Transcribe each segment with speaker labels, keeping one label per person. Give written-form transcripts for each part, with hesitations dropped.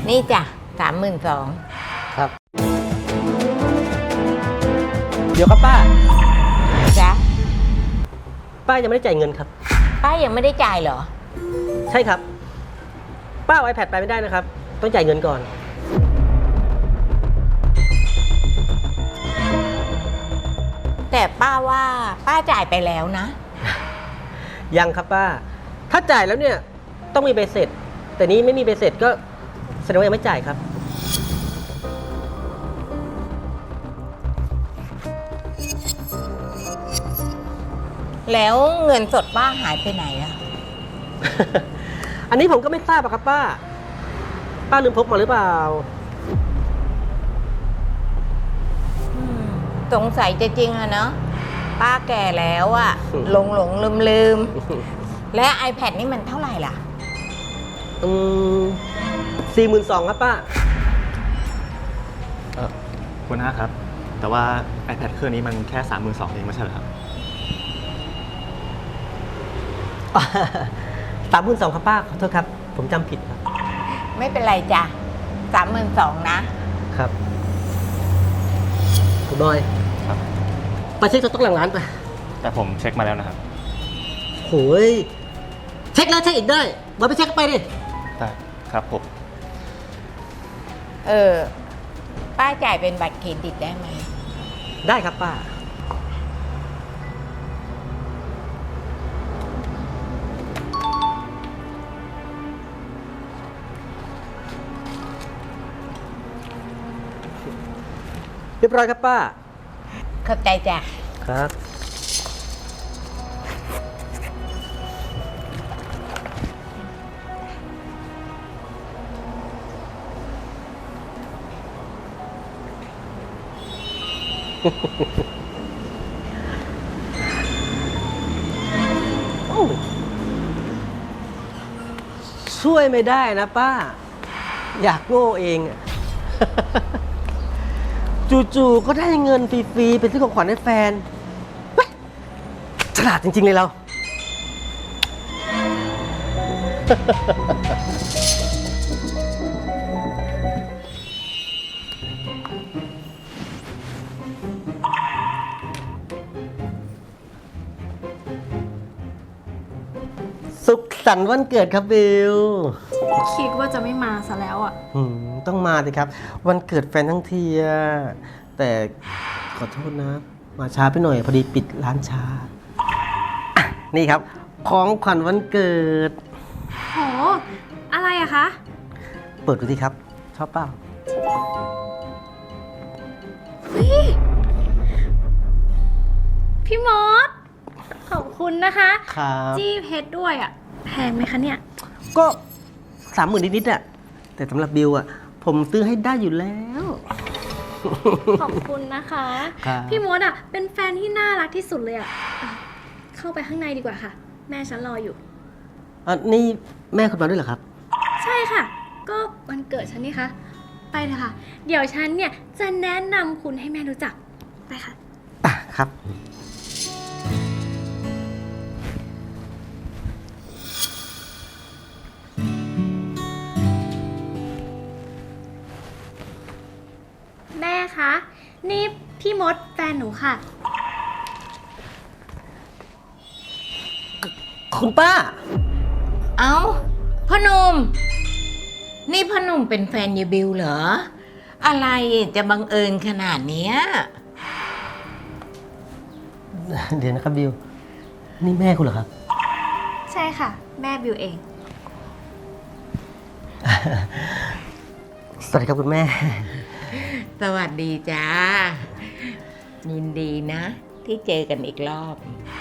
Speaker 1: นี่จ้ะ32,000
Speaker 2: ครับเดี๋ยวครับป้า
Speaker 1: จ้ะ
Speaker 2: ป้ายังไม่ได้จ่ายเงินครับ
Speaker 1: ป้ายังไม่ได้จ่ายเหรอ
Speaker 2: ใช่ครับป้าเอา iPad ไปไม่ได้นะครับต้องจ่ายเงินก่อน
Speaker 1: แต่ป้าว่าป้าจ่ายไปแล้วนะ
Speaker 2: ยังครับป้าถ้าจ่ายแล้วเนี่ยต้องมีใบเสร็จแต่นี้ไม่มีใบเสร็จก็แสดงว่ายังไม่จ่ายครับ
Speaker 1: แล้วเงินสดป้าหายไปไหนอะ
Speaker 2: อันนี้ผมก็ไม่ทราบอะครับป้าลืมพกมาหรือเปล่า
Speaker 1: สงสัยจะจริงอะเนาะป้าแก่แล้วอะหลงลืมและ iPad นี่มันเท่าไหร่ล่ะ
Speaker 2: 42,000ครับป้า
Speaker 3: คุณน้าครับแต่ว่า iPad เครื่องนี้มันแค่32,000เองไม่ใช่เหรอครับ
Speaker 2: 32,000ครับป้าขอโทษครับผมจำผิดครับ
Speaker 1: ไม่เป็นไรจ้ะ32,000นะครับ
Speaker 2: คุณบอย
Speaker 3: ครับ
Speaker 2: ไปเช็คสต๊อกหลังร้านไป
Speaker 3: แต่ผมเช็คมาแล้วนะครับ
Speaker 2: โหยเช็คแล้วเช็คอีกได้มาไปเช็คไปดิ
Speaker 3: ได้ครับผม
Speaker 1: ป้าจ่ายเป็นบัตรเครดิตได้ไหม
Speaker 2: ได้ครับป้าเรียบร้อยครับป้า
Speaker 1: ขอบใจจ้ะ
Speaker 2: ครับช่วยไม่ได้นะป้าอยากโง่เองจู่ๆก็ได้เงินฟรีๆเป็นซื้อของขวัญให้แฟนฉลาดจริงๆเลยเราสุขสันต์วันเกิดครับบิล
Speaker 4: คิดว่าจะไม่มาซะแล้วอ่ะ
Speaker 2: ต้องมาสิครับวันเกิดแฟนทั้งทีแต่ขอโทษนะมาช้าไปหน่อยพอดีปิดร้านช้านี่ครับของขวัญวันเกิด
Speaker 4: โหอะไรอะคะ
Speaker 2: เปิดดูสิครับชอบเปล่า
Speaker 4: พี่มดขอบคุณนะคะจี้เพชรด้วยอ่ะแพงไหมคะเนี่ย
Speaker 2: ก็30,000นิดๆอ่ะแต่สำหรับบิลอ่ะผมซื้อให้ได้อยู่แล้ว
Speaker 4: ขอบคุณนะคะพี่มดอ่ะเป็นแฟนที่น่ารักที่สุดเลยอ่ะเข้าไปข้างในดีกว่าค่ะแม่ฉันรออยู่
Speaker 2: นี่แม่คุณมาด้วยเหรอครับ
Speaker 4: ใช่ค่ะก็วันเกิดฉันนี่คะไปเถอะค่ะเดี๋ยวฉันเนี่ยจะแนะนำคุณให้แม่รู้จักไปค่ะ
Speaker 2: ครับ
Speaker 4: แม่คะนี่พี่มดแฟนหนูค่ะ
Speaker 2: คุณป้า
Speaker 1: เอ้าพ่อหนุ่มนี่พ่อหนุ่มเป็นแฟนยายบิวเหรออะไรจะบังเอิญขนาดเนี้ย
Speaker 2: เดี๋ยวนะครับบิวนี่แม่คุณเหรอครับ
Speaker 4: ใช่ค่ะแม่บิวเอง
Speaker 2: สวัสดีครับคุณแม่
Speaker 1: สวัสดีจ้ายินดีนะที่เจอกันอีกรอบ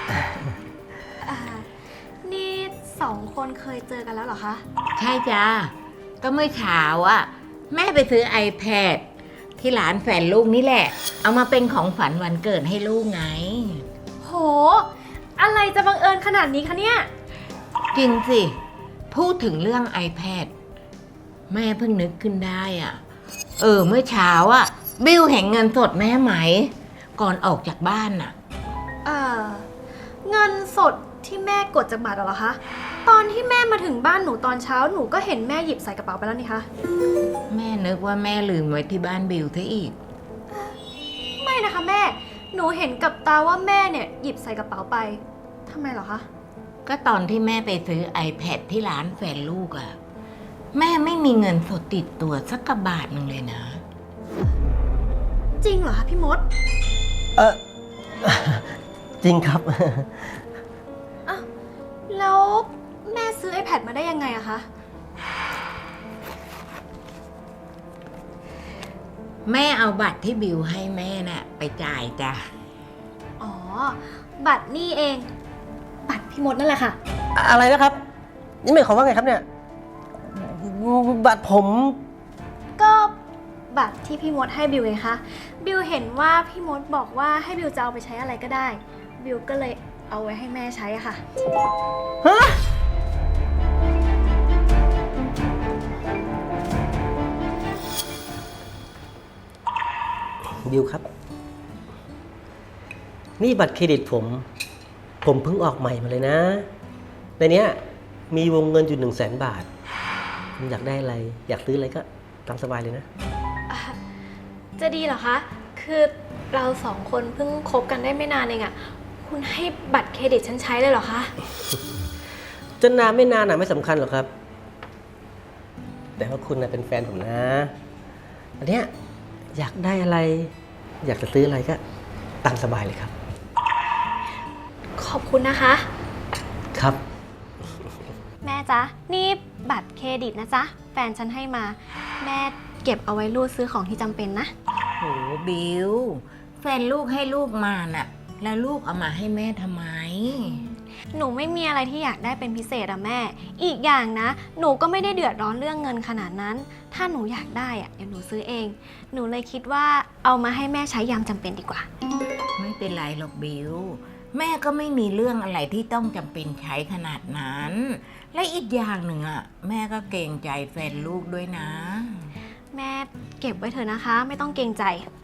Speaker 4: นี่2 คนเคยเจอกันแล้วเหรอคะ
Speaker 1: ใช่จ้าก็เมื่อเช้าอ่ะแม่ไปซื้อ iPad ที่ร้านแฟนลูกนี่แหละเอามาเป็นของฝันวันเกิดให้ลูกไง
Speaker 4: โหอะไรจะบังเอิญขนาดนี้คะเนี่ย
Speaker 1: จริงสิพูดถึงเรื่อง iPad แม่เพิ่งนึกขึ้นได้อ่ะเมื่อเช้าอ่ะบิวเห็นเงินสดแม่ไหมก่อนออกจากบ้านน่ะ
Speaker 4: เงินสดที่แม่กดจากบัตรเหรอคะตอนที่แม่มาถึงบ้านหนูตอนเช้าหนูก็เห็นแม่หยิบใส่กระเป๋าไปแล้วนี่คะ
Speaker 1: แม่นึกว่าแม่ลืมไว้ที่บ้านบิวซะอีก
Speaker 4: ไม่นะคะแม่ หนูเห็นกับตาว่าแม่เนี่ยหยิบใส่กระเป๋าไปทำไมเหรอคะ
Speaker 1: ก็ตอนที่แม่ไปซื้อ iPad ที่ร้านแฟนลูกอะแม่ไม่มีเงินสดติดตัวสักกระบาทหนึ่งเลยนะ
Speaker 4: จริงเหรอคะพี่มด
Speaker 2: เออ จริงครับ
Speaker 4: อ้าวแล้วแม่ซื้อ iPad มาได้ยังไงอะคะ
Speaker 1: แม่เอาบัตรที่บิวให้แม่น่ะไปจ่ายจ้ะ
Speaker 4: อ๋อ บัตรนี่เอง บัตรพี่มดนั่นแหละค่ะ
Speaker 2: อะไรนะครับ นี่หมายความว่าไงครับเนี่ยบัตรผม
Speaker 4: ก็บัตรที่พี่มดให้บิวไงคะ บิวเห็นว่าพี่มดบอกว่าให้บิวจะเอาไปใช้อะไรก็ได้ บิวก็เลยเอาไว้ให้แม่ใช้อะค่ะ
Speaker 2: ฮะบิวครับ นี่บัตรเครดิตผม ผมเพิ่งออกใหม่มาเลยนะ ในเนี้ยมีวงเงินอยู่100,000 บาท คุณอยากได้อะไร อยากซื้ออะไรก็ตามสบายเลยนะ
Speaker 4: จะดีเหรอคะ คือเราสองคนเพิ่งคบกันได้ไม่นานเองอะคุณให้บัตรเครดิตฉันใช้เลยเหรอคะ
Speaker 2: จะนานไม่นานไม่สำคัญหรอกครับ แต่ว่าคุณเป็นแฟนผมนะอันเนี้ยอยากได้อะไร อยากจะซื้ออะไรก็ตามสบายเลยครับ
Speaker 4: ขอบคุณนะคะ
Speaker 2: ครับ
Speaker 4: แม่จ๊ะ นี่บัตรเครดิตนะจ๊ะ แฟนฉันให้มา แม่เก็บเอาไว้รูดซื้อของที่จำเป็นนะ
Speaker 1: โหบิวแฟนลูกให้ลูกมาน่ะ แล้วลูกเอามาให้แม่ทำไม
Speaker 4: หนูไม่มีอะไรที่อยากได้เป็นพิเศษอะแม่ อีกอย่างนะ หนูก็ไม่ได้เดือดร้อนเรื่องเงินขนาดนั้น ถ้าหนูอยากได้อะเดี๋ยวหนูซื้อเอง หนูเลยคิดว่าเอามาให้แม่ใช้ยามจำเป็นดีกว่า
Speaker 1: ไม่เป็นไรหรอกบิวแม่ก็ไม่มีเรื่องอะไรที่ต้องจำเป็นใช้ขนาดนั้น และอีกอย่างหนึ่งอ่ะแม่ก็เกรงใจแฟนลูกด้วยนะ
Speaker 4: แม่เก็บไว้เถอะนะคะ ไม่ต้องเกรงใจ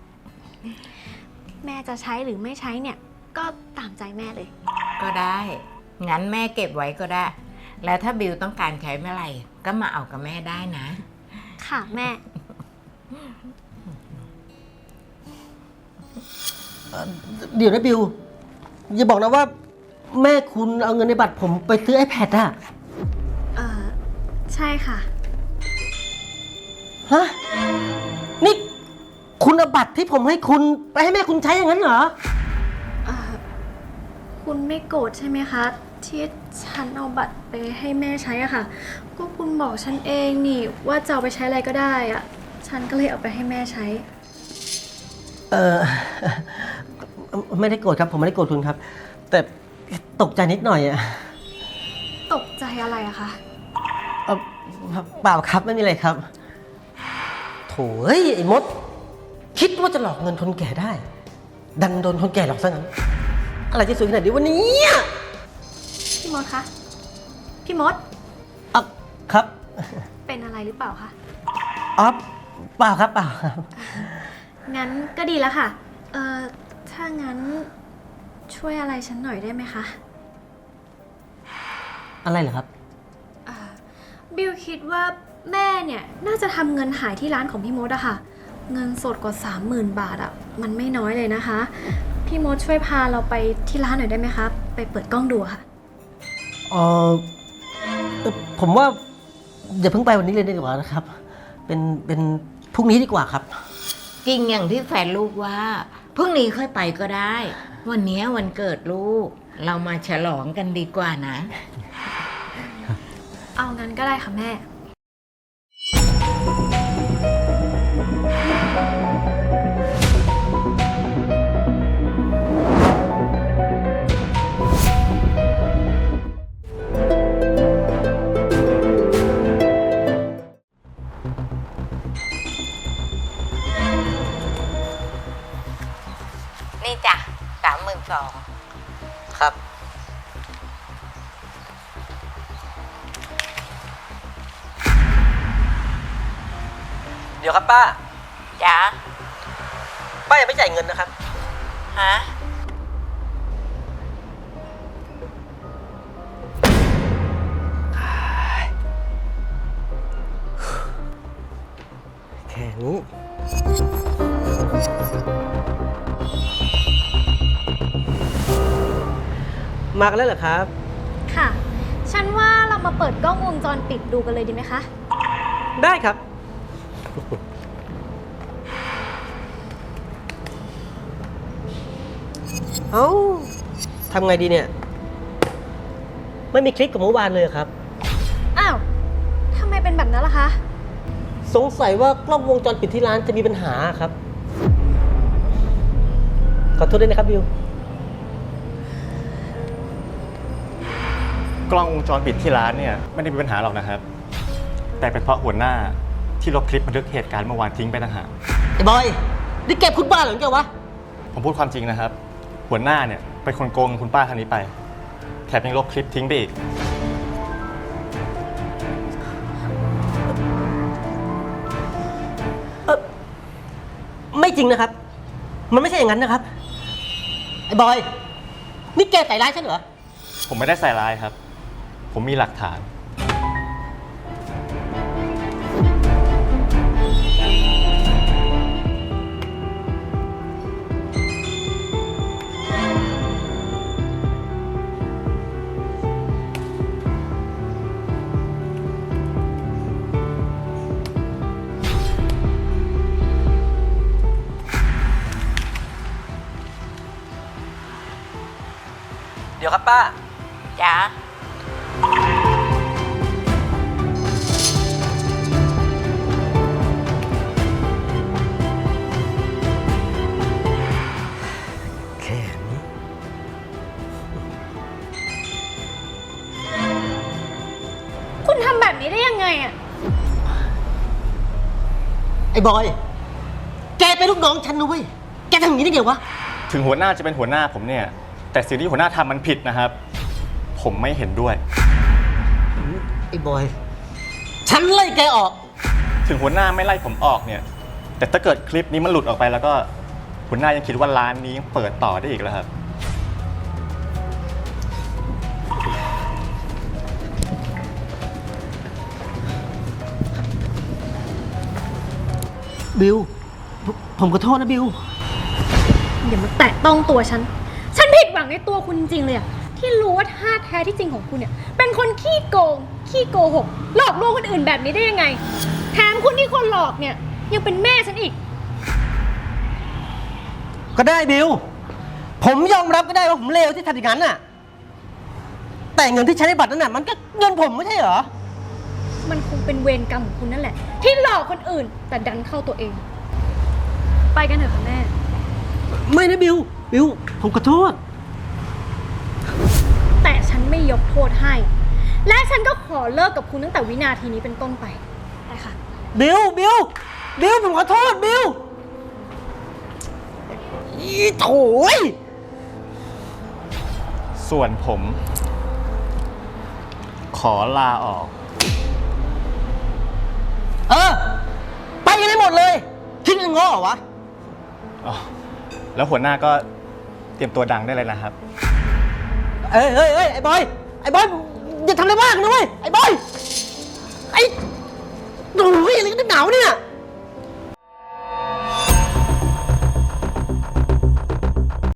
Speaker 4: แม่จะใช้หรือไม่ใช้เนี่ย ก็ตามใจแม่เลย
Speaker 1: ก็ได้งั้นแม่เก็บไว้ก็ได้ แล้วถ้าบิวต้องการใช้เมื่อไหร่ก็มาเอากับแม่ได้นะ
Speaker 4: ค่ะแม่
Speaker 2: เดี๋ยวนะบิว อย่าบอกนะว่า แม่คุณเอาเงินในบัตรผมไปซื้อ iPad อะ
Speaker 4: ใช่ค่ะ
Speaker 2: ฮะ นี่คุณเอาบัตรที่ผมให้คุณไปให้แม่คุณใช้อย่างนั้นเหรอ
Speaker 4: คุณไม่โกรธใช่ไหมคะ ที่ฉันเอาบัตรไปให้แม่ใช้อะค่ะ ก็คุณบอกฉันเองนี่ว่าจะเอาไปใช้อะไรก็ได้อะฉันก็เลยเอาไปให้แม่ใช้
Speaker 2: ไม่ได้โกรธครับ ผมไม่ได้โกรธคุณครับ แต่ตกใจนิดหน่อยอะ
Speaker 4: ตกใจอะไรอะคะ
Speaker 2: เอ่อเปล่าครับไม่มีอะไรครับโถ่เอ้ยไอ้มด คิดว่าจะหลอกเงินคนแก่ได้ ดันโดนคนแก่หลอกซะงั้น อะไรจะสวยขนาดนี้วันนี้
Speaker 4: พี่มดคะ พี่มด
Speaker 2: อ่ะครับ
Speaker 4: เป็นอะไรหรือเปล่าคะ
Speaker 2: อ๋อเปล่าครับเปล่าครับ
Speaker 4: งั้นก็ดีแล้วค่ะ ถ้างั้นช่วยอะไรฉันหน่อยได้ไหมคะ
Speaker 2: อะไรเหรอครับ
Speaker 4: บิวคิดว่าแม่เนี่ยน่าจะทำเงินหายที่ร้านของพี่มดอะค่ะ เงินสดกว่า 30,000 บาทอะมันไม่น้อยเลยนะคะ พี่มดช่วยพาเราไปที่ร้านหน่อยได้ไหมคะ ไปเปิดกล้องดูอะค่ะ
Speaker 2: เออผมว่าอย่าเพิ่งไปวันนี้เลยดีกว่านะครับ เป็นพรุ่งนี้ดีกว่าครับ
Speaker 1: จริงอย่างที่แฟนลูกว่าพรุ่งนี้ค่อยไปก็ได้ วันนี้วันเกิดลูก เรามาฉลองกันดีกว่านะ
Speaker 4: เอางั้นก็ได้ค่ะแม่
Speaker 1: นี่จ้ะ32,000
Speaker 2: ครับ เดี๋ยวครับป้า
Speaker 1: จ้ะ
Speaker 2: ป้ายังไม่จ่ายเงินนะครับ
Speaker 1: ฮะ
Speaker 2: แค่นี้ มากันแล้วเหรอครับ
Speaker 4: ค่ะ ฉันว่าเรามาเปิดกล้องวงจรปิดดูกันเลยดีไหมคะ
Speaker 2: ได้ครับ เอ้าทำไงดีเนี่ย ไม่มีคลิปกับเมื่อวานเลยเหรอครับ
Speaker 4: อ้าว ทำไมเป็นแบบนั้นล่ะคะ
Speaker 2: สงสัยว่ากล้องวงจรปิดที่ร้านจะมีปัญหาครับ ขอโทษด้วยนะครับบิว
Speaker 3: กล้องวงจรปิดที่ร้านเนี่ยไม่ได้มีปัญหาหรอกนะครับ แต่เป็นเพราะหัวหน้าที่ลบคลิปบันทึกเหตุการณ์เมื่อวานทิ้งไปต่างหาก
Speaker 2: ไอ้บอย นี่แกพูดบ้าเหรอแกวะ
Speaker 3: ผมพูดความจริงนะครับ หัวหน้าเนี่ยเป็นคนโกงคุณป้าท่านนี้ไป แถมยังลบคลิปทิ้งไปอีก
Speaker 2: ไม่จริงนะครับ มันไม่ใช่อย่างนั้นนะครับ ไอ้บอย นี่แกใส่ร้ายฉันเหรอ
Speaker 3: ผมไม่ได้ใส่ร้ายครับ ผมมีหลักฐาน
Speaker 2: เดี๋ยวครับป้า
Speaker 1: จ๋า
Speaker 2: แค่นี้
Speaker 4: คุณทำแบบนี้ได้ยังไงอะ
Speaker 2: ไอ้บอย แกเป็นลูกน้องฉันนะเว้ย แกทำอย่างนี้ได้ไงวะ
Speaker 3: ถึงหัวหน้าจะเป็นหัวหน้าผมเนี่ย แต่สิ่งที่หัวหน้าทำมันผิดนะครับ ผมไม่เห็นด้วย
Speaker 2: ไอ้บอย ฉันไล่แกออก
Speaker 3: ถึงหัวหน้าไม่ไล่ผมออกเนี่ย แต่ถ้าเกิดคลิปนี้มันหลุดออกไปแล้วก็หัวหน้ายังคิดว่าร้านนี้ยังเปิดต่อได้อีกแล้วครับ
Speaker 2: บิว ผมขอโทษนะบิว
Speaker 4: อย่ามาแตะต้องตัวฉัน ฉันผิดหวังในตัวคุณจริงๆเลยอะที่รู้ว่าท่าแท้ที่จริงของคุณเนี่ย เป็นคนขี้โกง ขี้โกหก หลอกลวงคนอื่นแบบนี้ได้ยังไง แถมคุณที่คนหลอกเนี่ยยังเป็นแม่ฉันอีก
Speaker 2: ก็ได้บิว ผมยอมรับก็ได้ว่าผมเลวที่ทำอย่างนั้นน่ะ แต่เงินที่ใช้ในบัตรนั้นน่ะมันก็เงินผมไม่ใช่เหรอ
Speaker 4: มันคงเป็นเวรกรรมของคุณนั่นแหละ ที่หลอกคนอื่น แต่ดันเข้าตัวเอง ไปกันเถอะค่ะแม่
Speaker 2: ไม่นะบิว บิว ผมขอโทษ
Speaker 4: แต่ฉันไม่ยกโทษให้ และฉันก็ขอเลิกกับคุณตั้งแต่วินาทีนี้เป็นต้นไปไปค่ะ
Speaker 2: บิว บิว บิว ผมขอโทษ บิว อีโถย
Speaker 3: ส่วนผม ขอลาออก
Speaker 2: ไปกันให้หมดเลย คิดเงินง้อเหรอวะ
Speaker 3: อ๋อ แล้วหัวหน้าก็เตรียมตัวดังได้เลยนะครับ
Speaker 2: เอ้ย ไอ้บอย ไอ้บอย อย่าทำอะไรมากนะเว้ย ไอ้บอย ไอ้โอ้ยอะไรกันหนาวเนี่ย